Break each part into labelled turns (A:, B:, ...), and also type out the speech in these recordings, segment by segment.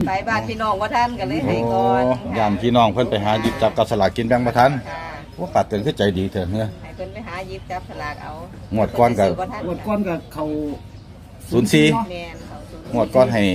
A: ไปบ้านพี่น้องว่าท่านกันเลยให้ก่อน
B: ยามพี่น้องเพิ่นไปหาหยิบจับกับสลากกินแบ่งบ่ทันว่าป้าเตือนคือใจดีเถอะเฮ้อ
A: ให้เพิ่นไปหาหยิบจับสลากเอา
B: งวดก่อนกับ
C: เขา
B: 04
A: แม่น
B: งวดก่อนให้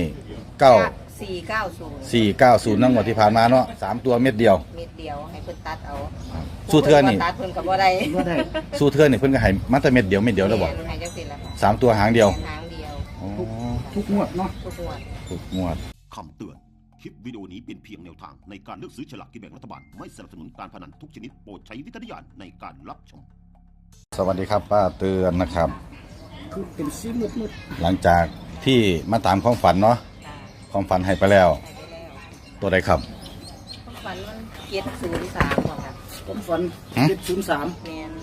A: 490
B: นั่งงวดที่ผ่านมาเนาะ3ตัวเม็ดเดียว
A: ให้เพิ่นตัดเอา
B: สู้เทื่อนี่
A: ตัดเพิ่นก็บ่ได้
B: สู้เทื่อนี่เพิ่นก็ให้มาแต่เม็ดเดียวแล้วบ่
A: ให้จังซี่ล่ะ
B: 3ตัวหางเดียว
C: ทุกงวดเนาะ
B: ทุกงวด
D: คำเตือนคลิปวิดีโอนี้เป็นเพียงแนวทางในการเลือกซื้อฉลากกินแบ่งรัฐบาลไม่สนับสนุนการพนันทุกชนิดโปรดใช้วิจารณญาณในการรับชม
B: สวัสดีครับป้าเตือนนะครับ
C: คือเป็นสีมืด
B: หลังจากที่มาตามความฝันเนาะความฝันให้ไปแล้วตัวใดครับ
A: ความฝันมัน703บ่ค่ะ
C: ความฝัน703
A: แม่น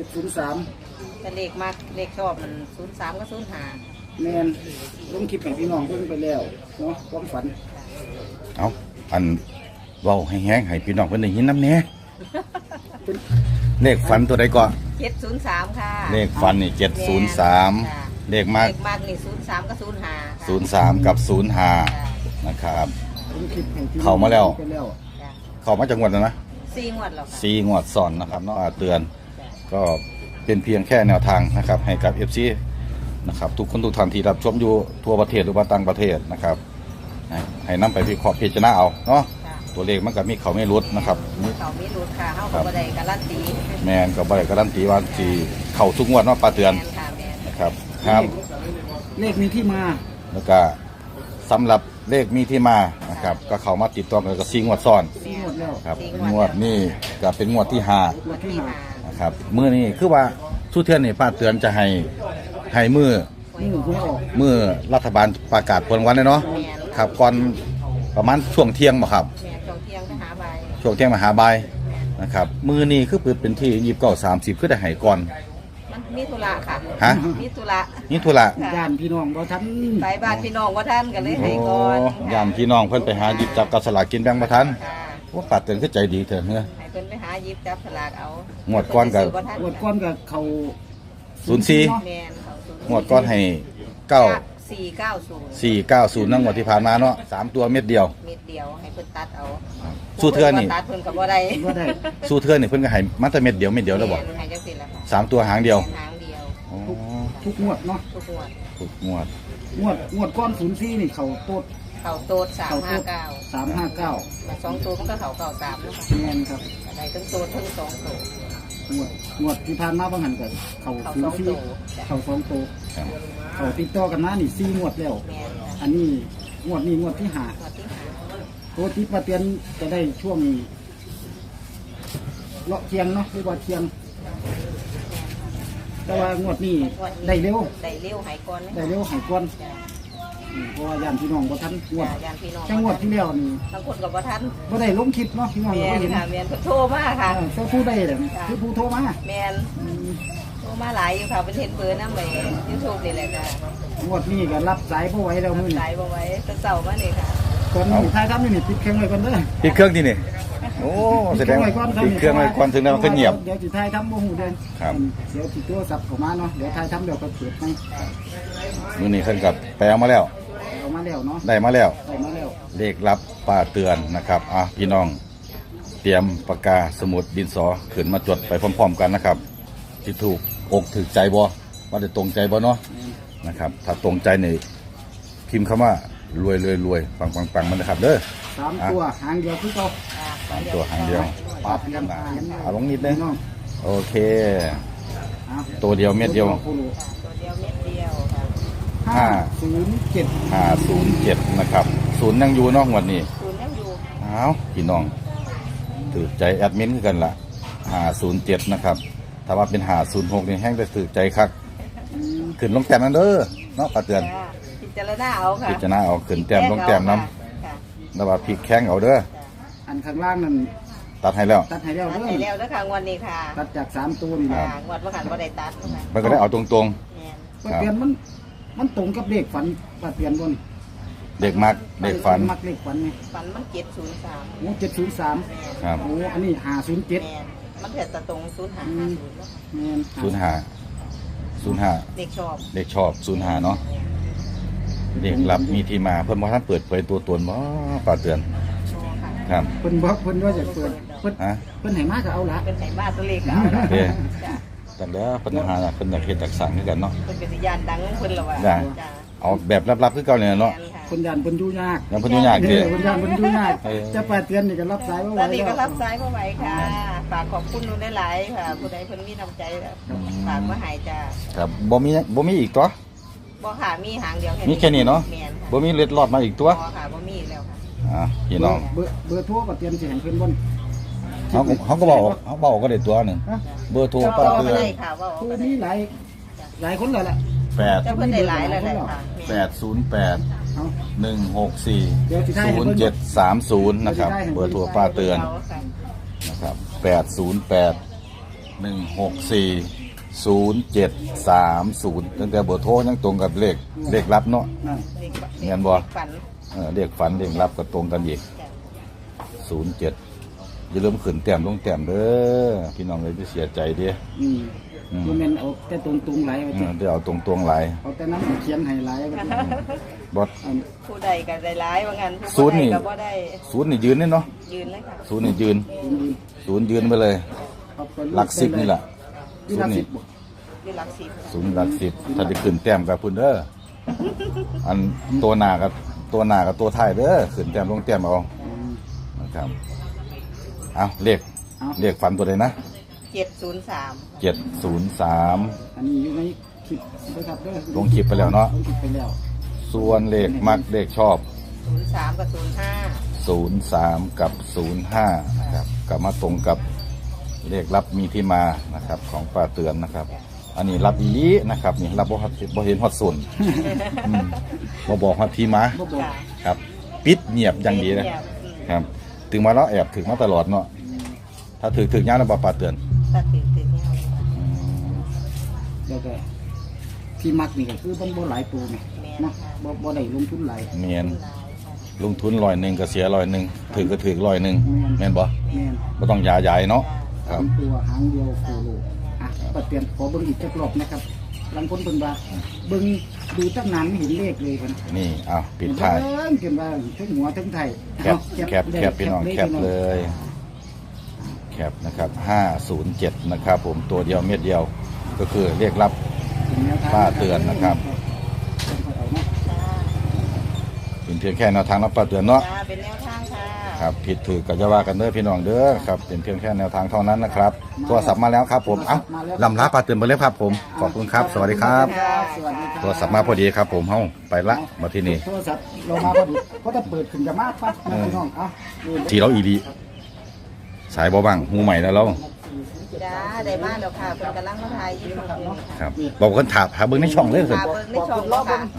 C: 703
A: แต่เลขมากเลขชอบมัน03กับ05
C: แม่นลงคลิปให้พี่น้องเพิ่นไปแล้วเนาะความฝัน
B: เอาอันเว้าให้แห้งให้พี่น้องเพิ่นได้ยินนำแหน่เลขฝันตัวใดก่อน
A: 703ค่ะ
B: เลขฝันนี่703เลขมาก
A: นี่03กับ
B: 05กับ05นะครับเข้ามาแล้วเข้ามาจากงวดแล้วนะ
A: 4งวดแล้ว
B: ค่ะ4งวดซ้อนนะครับเนาะเตือนก็เป็นเพียงแค่แนวทางนะครับให้กับ FC นะครับทุกคนทุกท่านที่รับชมอยู่ทั่วประเทศหรือว่าต่างประเทศนะครับให้นำไปวิเคราะห์พิจารณาเอาเนาะตัวเลขมันก็มีเขาไม่รุดนะครับ
A: มีเขาไม่รุดค่ะเข้ากับบ่ได้การันตี
B: แมนกับบ่ได้การันตีว่าสิเข้าทุกงวดเนาะป้าเตือนนะครับครับ
C: เลขมีที่มา
B: แล้วก็สำหรับเลขมีที่มานะครับก็เข้ามาติดต่อกันกับ4งวดซ้อนครับงวดนี้ก็เป็นงวดที่5นะครับมื้อนี้คือว่าสู้เทื่อนี่ป้าเตือนจะให้มือรัฐบาลประกาศผลวันเลยเนาะครับก่อนประมาณช่วงเที่ยงบ่ครับช่วงเที่ยงมหาบ่ายนะครับมือนี้คือเป็นที่29-30คือได้ให้ก่อน
A: มันมีธุระค่ะ
B: ฮะ
A: มีธุ
B: ระ
C: ย่านพี่น้องบ่ทัน
A: ไปบ้านพี่น้องบ่ทันกันเลยให้ก่อน
B: ย่านพี่น้องเพิ่นไปหาหยิบจับกับสลากกินแบ่งบ่ทันว่าป้าเตือนคือใจดีเถอะเฮ้อ
A: ให้เพิ่นไปหาหยิบจับสลากเอา
B: งวดก่อนกับ
C: เขา
B: 04
A: แม่น
B: งวดก่อนให้490นั่งงวดที่ผ่านมาเนาะ3ตัวเม็ดเดียว
A: ให้เพิ่นตัดเอา
B: สู้เทื่อนี่
A: ตัดเพิ่นก็บ่ได้
B: สู้เทื่อนี่เพิ่นก็ให้มาแต่เม็ดเดียวแล้วบ่
A: ให้จังซี่ล่ะ
B: 3ตัวหางเดียว
C: ทุกงวดเนาะ
B: ทุกงว
C: ดก้อน04นี่เขาโตด
A: 359มา2ตัวมันก็เขา93แล้วค่ะ
C: แม่นครับ
A: ได้ทั้งโตดทั้ง2ตัว
C: งวดที่ผ่านมาบางหันก็เขา04เขา2ตัวเขาติดต่อกันมานี่4งวดแล้วอันนี้งวดที่5ตัวที่ป้าเตือนจะได้ช่วงเลาะเทียงเนาะหรือว่าเทียงแต่ว่างวดนี้ได้เร็ว
A: หายก่อน
C: เพราะว่าย่านพี่น้องบ่ทันจังหวัดที่แล้วนี่
A: บางคนก็บ่ทัน
C: บ่ได้ลงคลิปเนาะพี่น้องบ่เห็น
A: แม่นโทรมาค่ะ
C: ผู้ได้แหละคือผู้โทรมา
A: แม่นโทรมาหลายอยู่ค่ะเป็นเห็นเบอร์นำไป YouTube นี่แหละค่ะ
C: งวดนี้ก็รับสายบ่ไหวแล้วมื้อนี้
A: สายบ่ไหวแต่เช้ามานี่ค่ะ
C: ตอนนี้ท้ายทำนี่ปิดเครื่องไว้ก่อนเด้อ
B: ปิดเครื่องที่นี่โอ้แสดงปิดเครื่องไว้ก่อนถึงแล้วมันก็เงียบ
C: เดี๋ยวสิท้ายทำบ่ฮู้เด้อ
B: ครับ
C: เดี๋ยวสิโทรศัพท์เข้ามาเนาะเดี๋ยวท้ายทำเดี๋ยวก็เปิดให้
B: มื้อนี้เพิ่นก็ไปเอามาแล้ว
C: เนาะ
B: ได้มาแล้วเลขลับป้าเตือนนะครับพี่น้องเตรียมปากกาสมุดดินสอขึ้นมาจดไปพร้อมๆกันนะครับที่ถูกอกถูกใจบ่ว่าได้ตรงใจบ่เนาะนะครับถ้าตรงใจนี่พิมพ์คำว่ารวยปังมันนะครับเด้อ
C: 3ตัวหางเดียวคือเก่า
B: 3ตัวหางเดียวปั๊บลงนิดนึงโอเคตัวเดียวเม็ดเดียว507นะครับ0ยังอยู่เนาะงวดนี้พี่น้องถือใจแอดมินคือกันล่ะ507นะครับถ้าว่าเป็น506นี่แห้งได้ถือใจคักขึ้นลงแต้มนั่นเด้อเนาะป้าเตือน
A: พิจารณาเอาค่ะ
B: พิจารณาเอาขึ้นแต้มลงแต้มน้ำแล้วว่าพลิกแข้งเอาเด้อ
C: อันข้างล่างนั่น
B: ตัดให้แล้ว
A: แล้วค่ะงวดนี้ค่ะ
C: ตัดจาก3ตัวนี่
A: งวดบ่หันบ่ได้ตัด
B: มันก็ได้เอาตรง
C: ๆป้าเตือนมันตรงกับเลขฝันป้าเตือนบ่นี่
B: เด็กมักเด็กฝัน
C: มักเลขฝันนี่
A: ฝันมัน703
C: โอ้703
B: ครับ
C: โอ้อันนี้507
A: มันเถิดตะตรง
B: 05เลขชอบ05เนาะเด็กรับมีที่มาเพิ่นบ่ทันเปิดเผยตัวตนบ่ป้าเตือน
A: โชว์ค่ะ
B: ครับ
C: เพิ่นบอกเพิ่นว่าจะเปิดเพิ่น
B: ฮะ
C: เพิ่นให้มาก็เอาละ
A: เป็นไหบ้านตัวเลขก็เอาละ
B: เด้
A: จ้ะ
B: แต่แล้วปัญหาน่ะเพิ่นอยากเฮ็ดจักสร้างคือกันเนาะ
A: เป็นเป็นยานดังของเพิ่นละว่า
B: จ้ะ
A: จ้ะ
B: เอาแบบลับๆคือเก่าเนี่ยเนาะ
A: แม่ค่ะ
C: คนยันเพิ่นอยู่ยาก
B: ยังเพิ่นอยู่ยาก
C: เอ
B: เด้
C: อคนยันเพิ่นอยู่ยาก
B: เออ
C: จะป้าเตือนนี่ก็รับสายบ่ไหว
A: ตอนนี้ก็
C: แล้ว
A: รับสายบ่ไหวค่ะฝากขอบคุณหนูหลายๆค่ะผู้ใดเพิ่นมีน้ำใจฝากมาให้จ้ะ
B: ครับบ่มีอีกตัว
A: บ่ค่ะมีหางเดียว
B: มีแค่นี้เนาะ
A: แม่นค่ะ
B: บ่มีเล็ดลอดมาอีกตัว
A: บ่ค่ะบ่มีอีกแล้วค่ะ
B: พี่น้อง
C: เบอร์โทรป้าเตือนสิให้เพิ่นบ่
B: เขาก็บอกเขาบอกก็ได้ตัวหนึง
C: ฮะ
B: เบอร์โทร
A: เจ้า
B: ป้า
A: บ่
B: เตือน
A: ได้ค่ะว่า
C: คือ
A: บ่ได้
C: มีหลายคนแล้วล่ะ
A: เจ้าเพิ่นได้หลายแล้วแหละค่ะแม่น
B: 808
C: เอา
B: 164
C: เดี๋ยวสิถ่ายให้เพิ่น
B: 0730นะครับ เบอร์โทรป้าเตือน
A: าค่ะ
B: นะครับ808 164 0730ตั้งแต่เบอร์โทรยังตรงกับเลขลับเนาะ
C: นั่น
A: เด็ก
B: เงินบ่
A: ฝัน
B: เลขฝันเลขลับก็ตรงกันอีก
A: จ้ะ
B: 07อย่าลืมขึ้นแต้มลงแต้มเด้อพี่น้องเลยที่เสียใจเด้อ
C: บ่แม่นเอาแต่ตรงๆหลายว่าติ
B: เดี๋ยวเอาตรงๆหลาย
C: เอาแต่นั้นเขียนให้หลายว่าติ
B: บอส
A: ผู้ใดก็ได้หลายว่างั้น
B: ศู
A: ผู้
B: นย์
A: ใด
B: นี่
A: ก็บ่ได้
B: ศูนย์นี่ยืนนี่เนาะ
A: ยืนเลยค่ะ
B: ศูนย์นี่ยืน ศูนย์ยืนไปเลย
C: ครับ
B: หลัก10นี่แหละ
C: ที่หลัก10บ่
A: อยู่หลักสิบ
B: ศูนย์หลัก10ถ้าได้ขึ้นแต้มกับพุ่นเด้ออันตัวหน้ากับตัวท้ายเด้อขึ้นแต้มลงแต้มเอา
C: อืม
B: นะครับเอาเลขฝันตัวใดนะ
A: 703
B: 703
C: อันนี้อยู่ในคลิปนะครับเด้อ
B: ลงคลิปไปแล้วเนาะ
C: ลงคลิปไปแล้ว
B: ส่วนเลขมักเลขชอบ
A: 03กับ05
B: 03 กับ 05นะครับกลับมาตรงกับเลขรับมีที่มานะครับของป้าเตือนนะครับ อันนี้รับอีหลีนะครับนี่รับบ่เห็นฮอดส่วนบ่บอกฮอดที่มา
C: บ่บอก
A: ค่ะ
B: ครับ ปิดเงียบอย่างดีนะ
A: เงียบ
B: ครับถึงมาแล้วแอบถึงมาตลอดเนาะถ้าถึงยามแล้วบ่ป้าเตือน
A: ตัดติดเนี่ย
C: แล้วก็ที่มักนี่ก็คือมันบ่หลายตัวไงเนาะบ่ได้ลงทุนหลาย
B: เมียนลงทุน100ก็เสีย100ถึงก็ถึง100แม่นบ่
C: แม่น
B: บ่ต้องยาใหญ่เนาะค
C: สา
B: รับ
C: มตัวหางเดียวโคโลอ่ะปัดเปลี่ยนขอเบิ่งอีกจักรอบนะครับบางคนเพิ่นว่าเบิ่งดูตั้งนานไม่เห็นเลขเลยเพิ่น
B: นี่อ้าวปิดท้าย
C: เบิ่งเกินว่าทั้งหัวทั้งไทย
B: แคปพี่น้องแคปเลย แคปนะครับ507นะครับผมตัวเดียวเม็ดเดียวก็คือเรียกรับป้าเตือนนะครับเป็นเพียงแค่แนวทางรับป้าเตือนเนาะ
A: จ้าเป็นแนวทางค่ะ
B: ครับผิดถือก็จะว่ากันเด้อพี่น้องเด้อครับเป็นเพียงแค่แนวทางเท่านั้นนะครับโทรศัพท์มาแล้วครับผมเอ้าลำลาป้าเตือนไปเลยครับผมขอบคุณครับ สวัสดีครับ
C: สวัสดีครับ
B: โทรศัพท์มาพอดีครับผมเฮ้าไปละมาที่นี่
C: โทรศัพท์เรามาพอดีเพราะถ้าเปิดขึ้นจะมากปั๊บนะพี่น้องเอ้าดู
B: ทีเราอีดีสายบ่บังหูใหม่แล้วเรา
A: จ้าได้มาแล้วค่ะเพิ่นกำลังมาถ่ายอยู่ค่ะ
B: ครับบอกคนถามหาเบิ้งในช่องเลยสิ
A: ค่ะเบิ่งในช่องแล้วค่ะ